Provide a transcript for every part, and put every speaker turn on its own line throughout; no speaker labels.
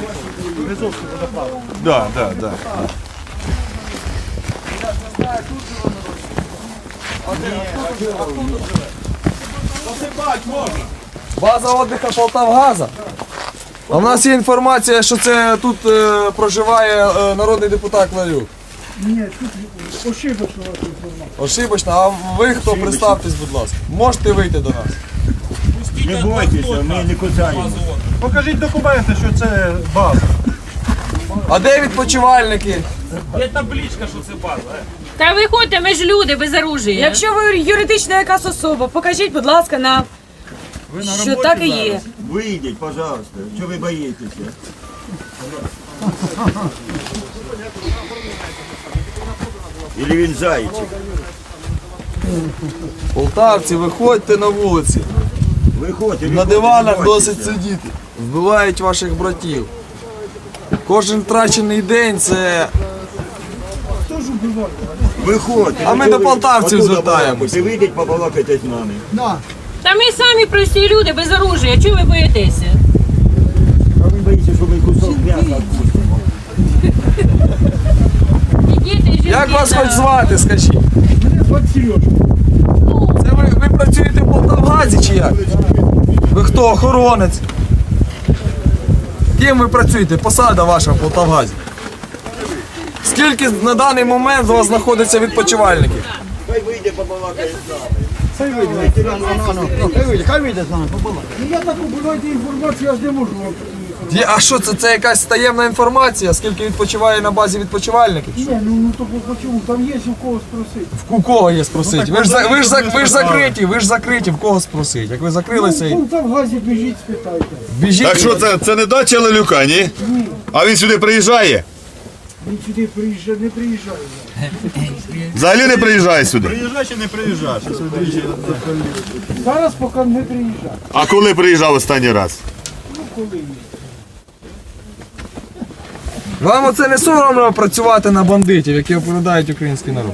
Березовський водопад.
Да, да, да.
База отдиха Полтавгаза. А в нас є інформація, що це тут проживає народний депутат Лалюк.
Ні, тут ошибочно інформація.
Ошибочно, а ви хто? Представтесь, будь ласка. Можете вийти до нас.
Не бойтеся, ми не кусаємо.
Покажіть документи, що це база.
А де відпочивальники?
Є табличка, що це база.
Та виходьте, ми ж люди без оружия.
Якщо ви юридична якась особа, покажіть, будь ласка, нам, що так і є.
Вийдіть, пожалуйста. Чого ви боїтеся? Или він зайчик?
Полтавці, виходьте на вулиці.
Виходьте.
На диванах досить сидіти. Вбивають ваших братів. Кожен втрачений день це.
Виходьте.
А ми до полтавців звертаємось.
Ви вийдіть, побалакайте з нами.
Та ми самі прості люди без оружия. Чого ви боїтеся?
А ви боїтеся, що ми кусок м'яса відпустимо.
І діти, і жінки.
Як вас
та-
хоч звати, скажіть?
Мене звати Сережа.
Це ви працюєте в Полтавгазі чи як? Ви хто, охоронець? Ким ви працюєте? Посада ваша в Полтавгазі? Скільки на даний момент у вас знаходиться відпочивальників?
Хай вийде, побалакає з нами.
Ну я так обирайте інформацію, я ж не можу вам.
А що це? Це якась таємна інформація? Скільки відпочиває на базі відпочивальників?
Ні, ну то почему? Там є у кого спросити.
У кого є спросити? Ви ж закриті, в кого спросити? Як ви закрилися і...
Там в газі біжіть, спитайте.
Біжіть.
Так що це не дача Лалюка, ні?
Ні,
А він сюди приїжджає?
він сюди приїжджає, не приїжджає.
Взагалі не приїжджає сюди.
Приїжджай чи не приїжджай?
Зараз поки не приїжджає.
А коли приїжджав останній раз?
Ну коли?
Вам оце не соромно працювати на бандитів, які оповідають український народ?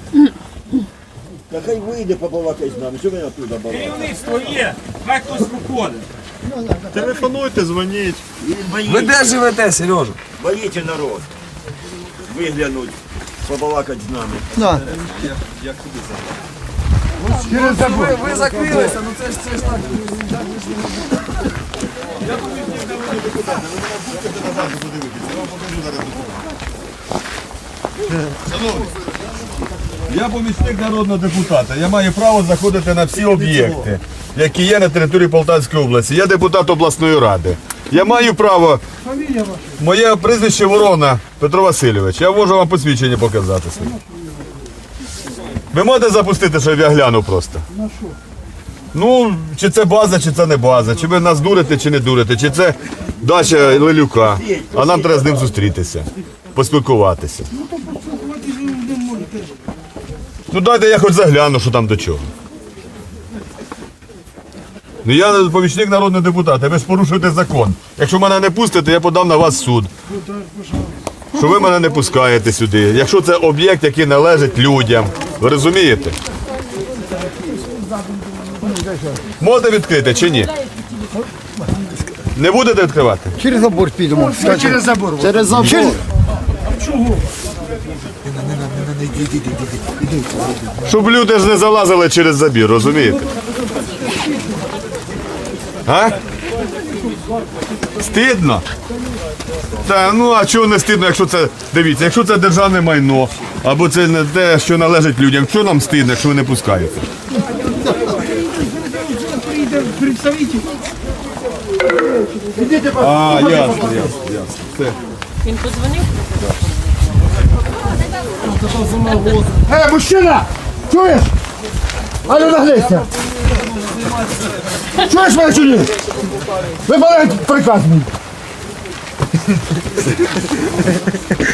Та хай вийде, побалакає з нами. Що ви оттуда балакаєте?
Керівництво є, хай хтось виходить.
Телефонуйте, дзвоніть. Він
Ви де живете, Сережа?
боїться народ. Виглянуть, побалакати з нами.
Ви закрилися, ну це ж так.
Я помічник народного депутата. Я маю право заходити на всі об'єкти, які є на території Полтавської області. Я депутат обласної ради. Я маю право.
Фамілія ваша?
Моє прізвище Ворона Петро Васильович. Я можу вам посвідчення показати своє. Ви можете запустити, щоб я глянув просто?
На що?
Ну, чи це база, чи це не база, чи ви нас дурите, чи не дурите, чи це дача Лалюка, а нам треба з ним зустрітися, поспілкуватися.
Ну то поспілкуватися не можете.
Ну дайте я хоч загляну, що там до чого. Ну я помічник народного депутата, ви ж порушуєте закон. Якщо мене не пустите, я подам на вас в суд. Що ви мене не пускаєте сюди. Якщо це об'єкт, який належить людям. Ви розумієте? Можете відкрити чи ні? Не будете відкривати?
Через забор підемо.
Через забор.
Через забор.
Щоб люди ж не залазили через забір, розумієте? А? Стидно? Та ну а чого не стидно, якщо це, дивіться, якщо це державне майно, або це не те, що належить людям, що нам стидно, якщо ви не пускаєте?
Прийде представитель.
А, ясно.
Він подзвонив?
Мужчина! Чуєш? А ну наглися! Чуєш мене чи ні? Виконай приказ мій!